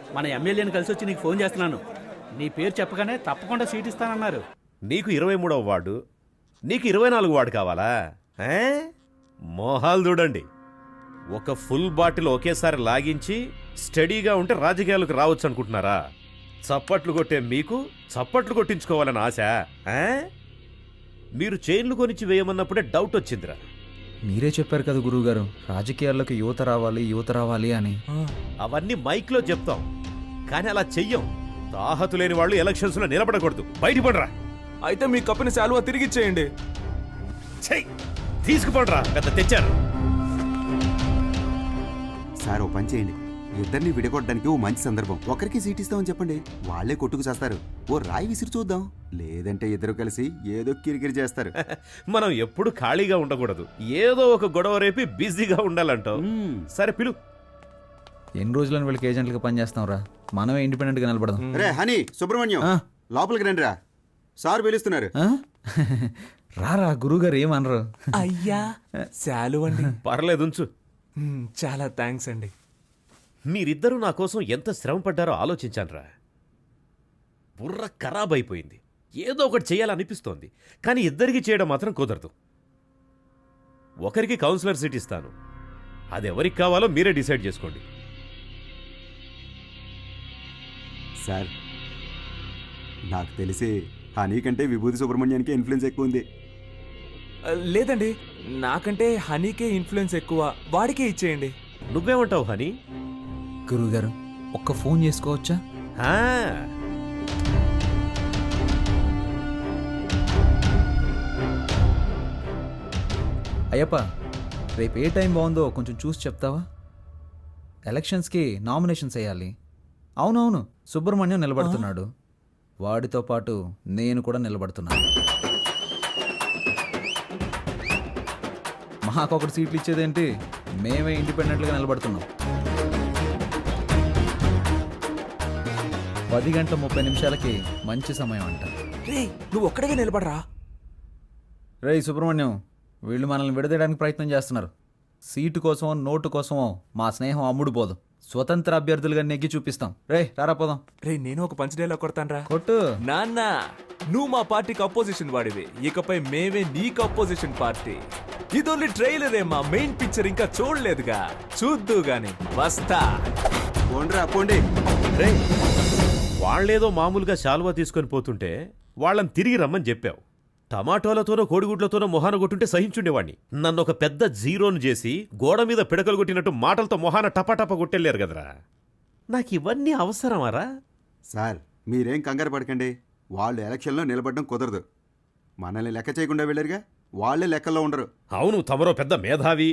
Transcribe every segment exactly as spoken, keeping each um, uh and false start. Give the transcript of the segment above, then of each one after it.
మన ఎమ్మెల్యేని కలిసి వచ్చి నీకు ఫోన్ చేస్తున్నాను. నీ పేరు చెప్పగానే తప్పకుండా సీట్ ఇస్తానన్నారు. నీకు ఇరవై మూడవ వార్డు, నీకు ఇరవై నాలుగు వార్డు కావాలా? ఏ? మోహాలు చూడండి. ఒక ఫుల్ బాటిల్ ఒకేసారి లాగించి స్టడీగా ఉంటే రాజకీయాలకు రావచ్చు అనుకుంటున్నారా? చప్పట్లు కొట్టే మీకు చప్పట్లు కొట్టించుకోవాలని ఆశ? ఏ? మీరు చైన్లు కొనిచ్చి వేయమన్నప్పుడే డౌట్ వచ్చిందిరా. మీరే చెప్పారు కదా గురువుగారు, రాజకీయాల్లోకి యువత రావాలి యువత రావాలి అని. అవన్నీ మైక్లో చెప్తాం, కానీ అలా చెయ్యం. తాహతు లేని వాళ్ళు ఎలక్షన్స్ లో నిలబడకూడదు. బయటపడరా. అయితే మీ కప్పుని శాలువా తిరిగిచ్చేయండి. చెయ్, తీసుకుపడరా. పెద్ద తెచ్చారు. సార్ ఓ పని చేయండి, ఇద్దరిని విడగొట్టడానికి ఓ మంచి సందర్భం. ఒకరికి సీట్ ఇస్తామని చెప్పండి, వాళ్లే కొట్టుకు చేస్తారు. ఓ రాయి విసిరి చూద్దాం. లేదంటే ఇద్దరు కలిసి ఏదో కిరికిరి చేస్తారు. మనం ఎప్పుడు ఖాళీగా ఉండకూడదు, ఏదో ఒక గొడవ రేపి బిజీగా ఉండాలంటావు. సరే పిలు. ఎన్ని రోజులని వీళ్ళకి ఏజెంట్లుగా పనిచేస్తాం రా, మనమే ఇండిపెండెంట్ గా నిలబడదాం. రే హనీ, సుబ్రహ్మణ్యం లోపలికి రండి రా, సార్ పిలుస్తున్నారు. రారా, గురువుగారు ఏమనరు. అయ్యా శాలువ అండి. పర్లేదు ఉంచు. చాలా థ్యాంక్స్ అండి. మీరిద్దరూ నా కోసం ఎంత శ్రమ పడ్డారో ఆలోచించానురా. బుర్ర ఖరాబ్ అయిపోయింది. ఏదో ఒకటి చేయాలనిపిస్తోంది, కానీ ఇద్దరికి చేయడం మాత్రం కుదరదు. ఒకరికి కౌన్సిలర్ సీట్ ఇస్తాను, అది ఎవరికి కావాలో మీరే డిసైడ్ చేసుకోండి. సార్ నాకు తెలిసి హనీ కంటే విభూతి సుబ్రహ్మణ్యానికి ఇన్ఫ్లుయెన్స్ ఎక్కువ ఉంది. లేదండి, నాకంటే హనీకే ఇన్ఫ్లుయెన్స్ ఎక్కువ, వాడికే ఇచ్చేయండి. నువ్వేమంటావు హనీ? గురువుగారు ఒక్క ఫోన్ చేసుకోవచ్చా? ఆ, అయ్యప్ప, రేపు ఏ టైం బాగుందో కొంచెం చూసి చెప్తావా? ఎలక్షన్స్కి నామినేషన్స్ వేయాలి. అవునవును, సుబ్రహ్మణ్యం నిలబడుతున్నాడు, వాడితో పాటు నేను కూడా నిలబడుతున్నాను. మాకొకటి సీట్లు ఇచ్చేదేంటి, మేమే ఇండిపెండెంట్గా నిలబడుతున్నాం. పది గంటల ముప్పై నిమిషాలకి మంచి సమయం అంట. రే నువ్వు ఒక్కడిగా నిలబడరా. రే సుబ్రహ్మణ్యం, వీళ్ళు మనల్ని విడదీయడానికి ప్రయత్నం చేస్తున్నారు. సీటు కోసమో నోటు కోసమో మా స్నేహం అమ్ముడు పోదు. స్వతంత్ర అభ్యర్థులుగా నెగ్గి చూపిస్తాం. రే రారా పోదాం. రే నేను ఒక పంచ్ డైలాగ్ కొడతాను. కొట్టు. నాన్న, నువ్వు మా పార్టీకి అపోజిషన్ వాడివి, ఇకపై మేమే నీకు అపోజిషన్ పార్టీ. ఇది ఓన్లీ ట్రైలరే, మా మెయిన్ పిక్చర్ ఇంకా చూడలేదుగా, చూద్దు గాని వస్తా. పోండ్రా పోండి. రే, వాళ్ళేదో మామూలుగా శాలువా తీసుకొని పోతుంటే వాళ్ళని తిరిగి రమ్మని చెప్పావు. టమాటోలతోనో కోడిగుడ్లతోనో మొహాన కొట్టుంటే సహించుండేవాణ్ణి. నన్ను ఒక పెద్ద జీరోను చేసి గోడ మీద పిడకలు కొట్టినట్టు మాటలతో మొహాన టపాటపా కొట్టెళ్ళారు కదరా. నాకు ఇవన్నీ అవసరమారా? సార్ మీరేం కంగారు పడకండి, వాళ్ళు ఎలక్షన్లో నిలబడడం కుదరదు. మనల్ని లెక్క చేయకుండా వెళ్ళారుగా, వాళ్ళే లెక్కల్లో ఉండరు. అవును, తమరో పెద్ద మేధావి.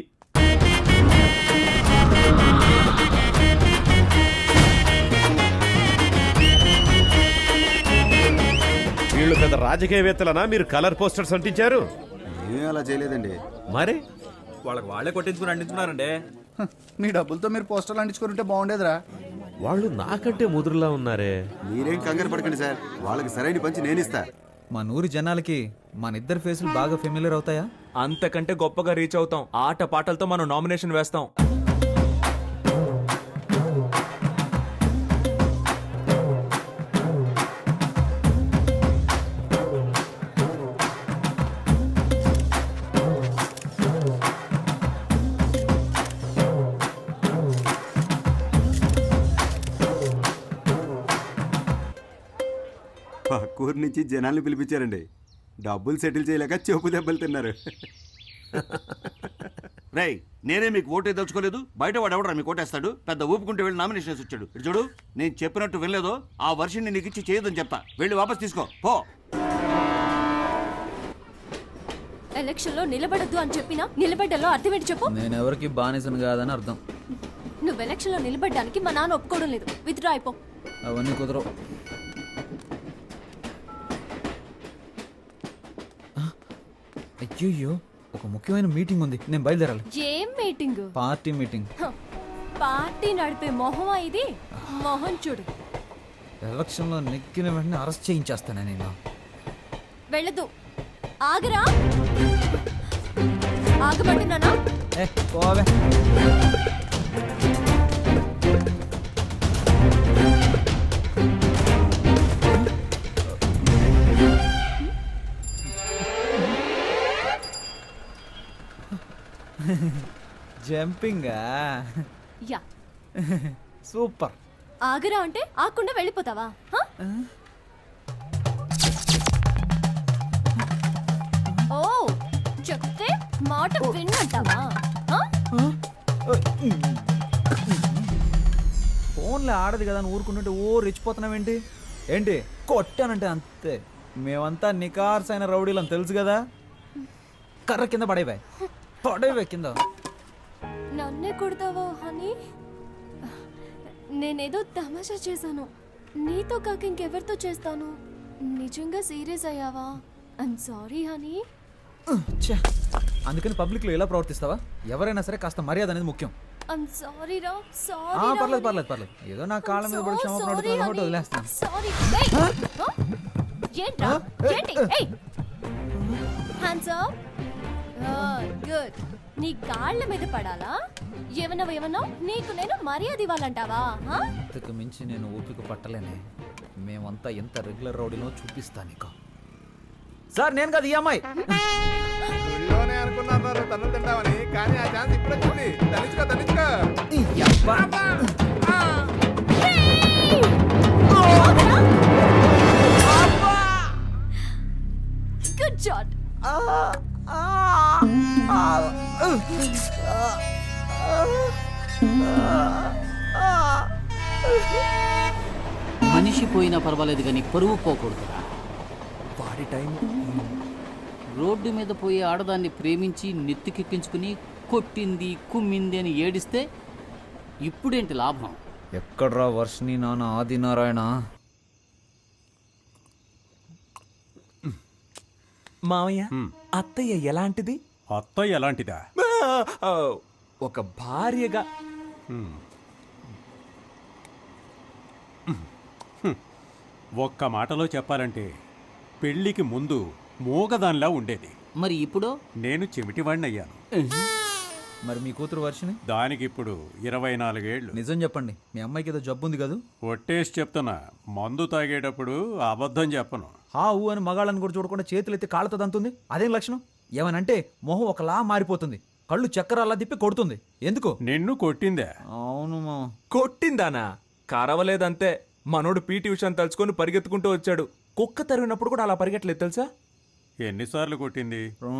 వీళ్ళు పెద్ద రాజకీయవేత్తలనా మీరు కలర్ పోస్టర్స్ అంటించారు? ఏం అలా చేయలేదండి. మరి వాళ్ళకి వాళ్ళే కొట్టించుకుని అంటించుకున్నారండి. మీ డబ్బులతో మీరు పోస్టర్లు అంటించుకుంటే బాగుండేదిరా. వాళ్ళు నాకంటే ముదురులా ఉన్నారే. మీరేం కంగారు పడకండి సార్, వాళ్ళకి సరైన పంచి నేను ఇస్తా. మా నూరి జనాలకి మన ఇద్దరు ఫేసులు బాగా ఫెమిలియర్ అవుతాయా? అంతకంటే గొప్పగా రీచ్ అవుతాం. ఆట పాటలతో మనం నామినేషన్ వేస్తాం. పక్కూరు నుంచి జనాల్ని పిలిపించారండి. డబ్బులు సెటిల్ చేయలేక చెప్పు దెబ్బలు తిన్నారు. రై, నేనే మీకు ఓటే దలుచుకోలేదు, బయట వాడు ఎవడరా మీకు ఓటేస్తాడు? పెద్ద ఊపుకుంటే వెళ్ళి నామినేషన్ వేసి వచ్చాడు. ఇటు చూడు, నేను చెప్పినట్టు వినలేదో ఆ వర్షన్ని నీకు ఇచ్చి చేయదని చెప్తా. వెళ్ళి వాపస్ తీసుకో పో. ఎలక్షన్ లో నిలబడద్దు అని చెప్పినా నిలబడ్డలో అర్థం ఏంటి చెప్పు? నేను ఎవరికి బానిసను కాదని అర్థం. నువ్వు ఎలక్షన్ లో నిలబడ్డానికి మా నాన్న ఒప్పుకోవడం లేదు. విత్డ్రా అయిపో. అవన్నీ కుదరవు. అయ్యో, ఒక ముఖ్యమైన మీటింగ్ ఉంది, నేను బయలుదేరాలి. ఏం మీటింగ్? Party meeting. పార్టీ నడిపే మొహమా ఇది? మొహం చూడు. ఎలక్షన్ లో నెక్కిన వెంటనే అరెస్ట్ చేయించేస్తాను నేను. వెళ్ళదు. ఆగరా. ఆగమంటున్నానా? ఏ పోవే. జంపింగా యా సూపర్. ఆగరా అంటే ఆకుండా వెళ్ళిపోతావా హ? ఓ చెప్తే మాట విన్నంటావా హ? ఫోన్లో ఆడదు కదా అని ఊరుకుంటుంటే ఓ రెచ్చిపోతున్నావేంటి? ఏంటి కొట్టానంటే అంతే. మేమంతా నికార్స్ అయిన రౌడీలని తెలుసు కదా. కర్ర కింద పడేవే పడేవే కింద. నన్నే కొడతావా హనీ? నేనేదో తమాషా చేశాను. నీతో కాక ఇంకెవరితో చేస్తాను? నిజంగా సీరియస్ అయ్యావా? I'm sorry honey. ఛే, అందుకని పబ్లిక్లో ఎలా ప్రవర్తిస్తావా? ఎవరైనా సరే కాస్త మర్యాద అనేది ముఖ్యం. ఐమ్ సారీ రా ఆ, సారీ. పర్లేదు పర్లేదు పర్లేదు. ఏదో నా కాళ్ళ మీద పడి క్షమాపణ అడుగుతున్నాను కాబట్టి వదిలేస్తాను. సారీ. ఏంట్రా ఏంటి? ఏయ్ హ్యాండ్స్ అప్. గుడ్. నీ కాళ్ళ మీద పడాలా? ఏమన్నా ఏమన్నా నీకు నేను మర్యాద ఇవ్వాలంటావా? హ? ఇంతకు మించి నేను ఓపిక పట్టలేనే. మేమంతా ఎంత రెగ్యులర్ రౌడీనో చూపిస్తా నీకు. సార్ నేను కదా ఈ అమ్మాయి. అనుకున్నారు తను తింటామని, కానీ ఆ ఛాన్స్ ఇప్పుడు వచ్చింది. తనిచ్చుకో తనిచ్చుకో. ఈ యబ్బా. Good shot. మనిషి పోయినా పర్వాలేదు కానీ పరువు పోకూడదురా. వాడి టైం. రోడ్డు మీద పోయే ఆడదాన్ని ప్రేమించి నెత్తికెక్కించుకుని కొట్టింది కుమ్మింది అని ఏడిస్తే ఇప్పుడేంటి లాభం? ఎక్కడ్రా వర్షిని నాన్న ఆదినారాయణ? మావయ్య అత్తయ్య ఎలాంటిది? అత్త ఎలాంటిదా? ఆ, ఒక భార్యగా. ఒక్క మాటలో చెప్పాలంటే పెళ్లికి ముందు మూగదానిలా ఉండేది. మరి ఇప్పుడు నేను చెమిటివాడిని అయ్యాను. మరి మీ కూతురు వర్షిని? దానికి ఇప్పుడు ఇరవై నాలుగేళ్లు. నిజం చెప్పండి, మీ అమ్మాయికి ఏదో జబ్బు ఉంది కదా? ఒట్టేసి చెప్తున్నా, మందు తాగేటప్పుడు అబద్ధం చెప్పను. హా ఊ అని మగాళ్ళని కూడా చూడకుండా చేతులు ఎత్తి కాళ్ళతో దంతుంది. అదేం లక్షణం? ఏమనంటే మొహం ఒకలా మారిపోతుంది, కళ్ళు చక్కరాలా తిప్పి కొడుతుంది. ఎందుకు? నిన్ను కొట్టిందే. అవును మా. కొట్టిందానా? కరవలేదంతే. మనోడు పీటీ ఉషాని తలుచుకొని పరిగెత్తుకుంటూ వచ్చాడు. కుక్క తరిగినప్పుడు కూడా అలా పరిగెట్టలేదు తెలుసా? ఎన్నిసార్లు కొట్టింది?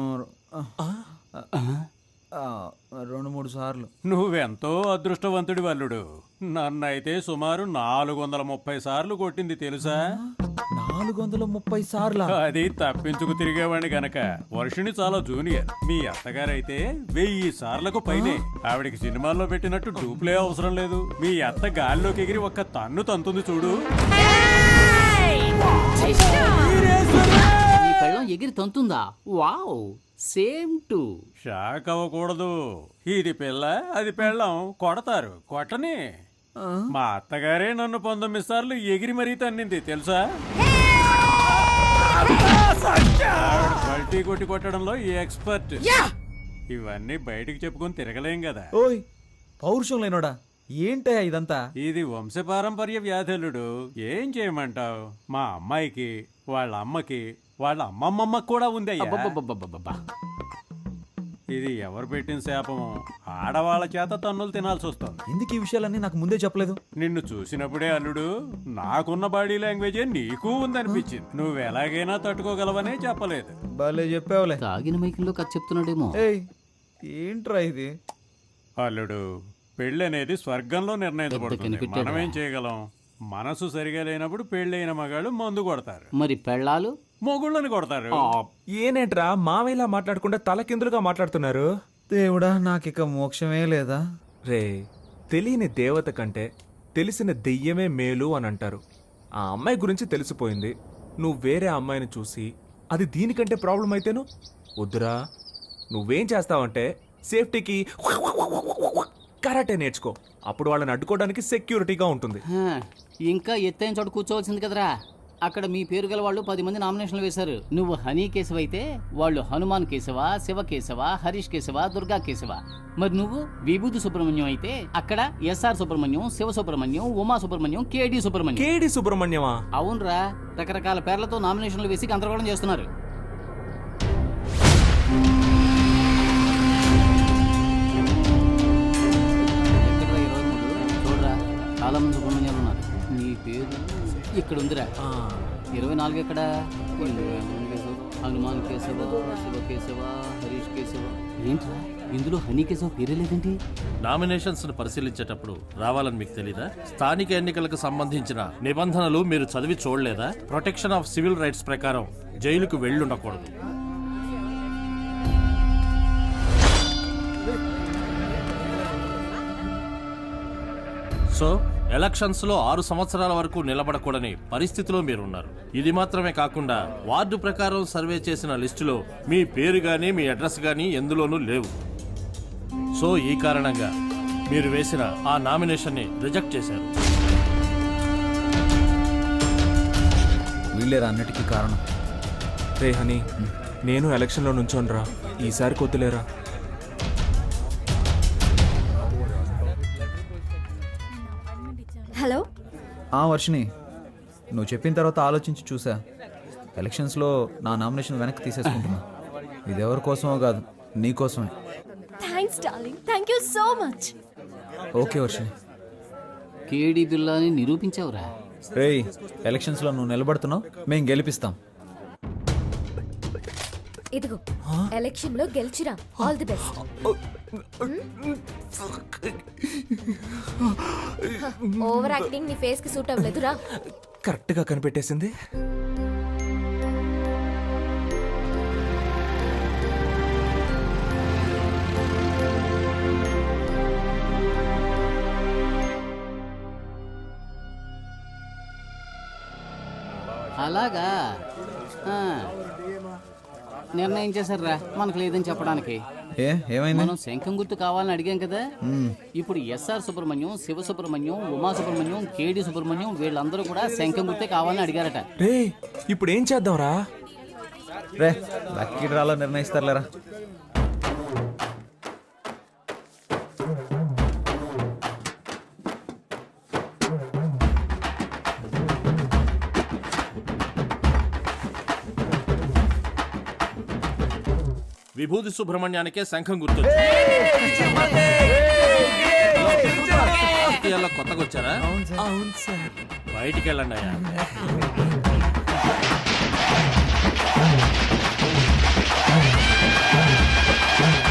రెండు మూడు సార్లు. నువ్వెంతో అదృష్టవంతుడి వల్లుడు. నన్నైతే సుమారు నాలుగు వందల ముప్పై సార్లు కొట్టింది తెలుసా? నాలుగు వందల ముప్పై సార్లు? అది తప్పించుకు తిరిగేవాడిని గనక. వర్షిని చాలా జూనియర్. మీ అత్తగారైతే వెయ్యి సార్లకు పైనే. ఆవిడికి సినిమాల్లో పెట్టినట్టు డూప్లే అవసరం లేదు. మీ అత్త గాల్లోకి ఎగిరి ఒక్క తన్ను తంతుంది చూడు. నీ పెళ్ళం ఎగిరి తంతుందా? Wow, same to. షాక్ అవ్వకూడదు. ఇది పిల్ల, అది పెళ్ళం. కొడతారు, కొట్టని. మా అత్తగారే నన్ను పంతొమ్మిది సార్లు ఎగిరి మరీ తన్నింది తెలుసా? బల్టీ కొట్టి కొట్టడంలో ఈ ఎక్స్పర్ట్. ఇవన్నీ బయటికి చెప్పుకొని తిరగలేం కదా. ఓయ్ పౌరుషం లేనోడా, ఏంటయ్యా ఇదంతా? ఇది వంశపారంపర్య వ్యాధులుడు. ఏం చేయమంటావు? మా అమ్మాయికి, వాళ్ళ అమ్మకి, వాళ్ళ అమ్మమ్మమ్మకి కూడా ఉంది అయ్యా. అబ్బబ్బబ్బబ్బబ్బబ్బా. ఇది ఎవరు పెట్టిన శాపమో ఆడవాళ్ళ చేత తన్నులు తినాల్సి వస్తుంది. ఎందుకు ఈ విషయాలన్నీ నాకు ముందే చెప్పలేదు? నిన్ను చూసినప్పుడే అల్లుడు, నాకున్న బాడీ లాంగ్వేజే నీకు ఉందనిపించింది. నువ్వు ఎలాగైనా తట్టుకోగలవనే చెప్పలేదు. భలే చెప్పావులే. తాగిన మైకంలో కథ చెప్తున్నాడేమో. ఏయ్ ఏంట్రా ఇది? అల్లుడు, పెళ్ళి అనేది స్వర్గంలో నిర్ణయించబడుతుంది. కనిపెట్టాడురా. మనమేం చేయగలం? మనసు సరిగా లేనప్పుడు పెళ్ళైన మగాళ్ళు మందు కొడతారు, మరి పెళ్ళాలు మొగుళ్ళని కొడతారు. ఏనేంట్రా మావయ్యలా మాట్లాడకుండా తలకిందులుగా మాట్లాడుతున్నారు? దేవుడా, నాకిక మోక్షమే లేదా? రే, తెలియని దేవత కంటే తెలిసిన దెయ్యమే మేలు అని అంటారు. ఆ అమ్మాయి గురించి తెలిసిపోయింది. నువ్వు వేరే అమ్మాయిని చూసి అది దీనికంటే ప్రాబ్లం అయితేను వద్దురా. నువ్వేం చేస్తావంటే సేఫ్టీకి కరాటే నేర్చుకో. అప్పుడు వాళ్ళని అడ్డుకోవడానికి సెక్యూరిటీగా ఉంటుంది. హా, ఇంకా ఎత్తైన చోట కూర్చోవలసింది కదరా. అక్కడ మీ పేరు గల వాళ్ళు పది మంది నామినేషన్లు వేశారు. నువ్వు హనీ కేశవ అయితే వాళ్ళు హనుమాన్ కేశవ, శివ కేశవ, హరీష్ కేశవ, దుర్గా కేశవ. మరి నువ్వు విభూతి సుబ్రహ్మణ్యం అయితే అక్కడ ఎస్ఆర్ సుబ్రహ్మణ్యం, శివ సుబ్రహ్మణ్యం, ఉమా సుబ్రహ్మణ్యం, కేడి సుబ్రహ్మణ్యం. కేడి సుబ్రహ్మణ్యమా? అవునరా, రకరకాల పేర్లతో నామినేషన్లు వేసి గందరగోళం చేస్తున్నారు. చాలా మంది సుబ్రహ్మణ్యాలు ఉన్నారు. నీ పేరు ఇక్కడ ఉందిరా. ఇరవై నాలుగు ఎక్కడ? ఇరవై మూడు కేశవ, హనుమాన్ కేశవ, శివ కేశవ, హరీష్ కేశవ. ఏంట్రా ఇందులో హనీ కేశవ పేరే లేదేంటి? నామినేషన్స్ ను పరిశీలించేటప్పుడు రావాలని మీకు తెలీదా? స్థానిక ఎన్నికలకు సంబంధించిన నిబంధనలు మీరు చదివి చూడలేదా? ప్రొటెక్షన్ ఆఫ్ సివిల్ రైట్స్ ప్రకారం జైలుకు వెళ్ళుండకూడదు. సో ఎలక్షన్స్ లో ఆరు సంవత్సరాల వరకు నిలబడకూడని పరిస్థితిలో మీరున్నారు. ఇది మాత్రమే కాకుండా వార్డు ప్రకారం సర్వే చేసిన లిస్టులో మీ పేరు గానీ మీ అడ్రస్ గానీ ఎందులోనూ లేవు. సో ఈ కారణంగా మీరు వేసిన ఆ నామినేషన్ ని రిజెక్ట్ చేశారు. వీళ్ళేరా అన్నిటికీ కారణం. రే హనీ, నేను ఎలక్షన్లో నుంచోనరా, ఈసారి కొద్దులేరా. హలో. ఆ వర్షిని, నువ్వు చెప్పిన తర్వాత ఆలోచించి చూసా. ఎలక్షన్స్లో నా నామినేషన్ వెనక్కి తీసేసుకుంటున్నా. ఇది ఎవరి కోసమో కాదు, నీ కోసమే. Thanks darling, thank you so much. Okay Varshini. Kedi బిల్లాని నిరూపించావురా. రేయ్, ఎలక్షన్స్లో నువ్వు నిలబడుతున్నావు, మేం గెలిపిస్తాం. ఇదిగో ఎలక్షన్ లో గెలిచిరా. All the best. Over acting నీ ఫేస్ కి సూట్ అవ్వలేదురా. కరెక్ట్గా కనిపెట్టేసింది. అలాగా ఆ. నిర్ణయం చేశారా మనకు లేదని చెప్పడానికి. ఏ ఏమైంది? మనం శంఖం గుర్తు కావాలని అడిగాం కదా. ఇప్పుడు ఎస్ఆర్ సుబ్రహ్మణ్యం, శివ సుబ్రహ్మణ్యం, ఉమా సుబ్రహ్మణ్యం, కేడి సుబ్రహ్మణ్యం వీళ్ళందరూ కూడా శంఖం గుర్తే కావాలని అడిగారట. రే ఇప్పుడు ఏం చేద్దాంరా? రే లక్కీ డ్రాలో నిర్ణయిస్తారులేరా. విభూతి సుబ్రహ్మణ్యానికే శంఖం గుర్తు. రాజకీయాల్లో కొత్తగా వచ్చారా? అవును సార్. బయటికి వెళ్ళండి అయ్యా.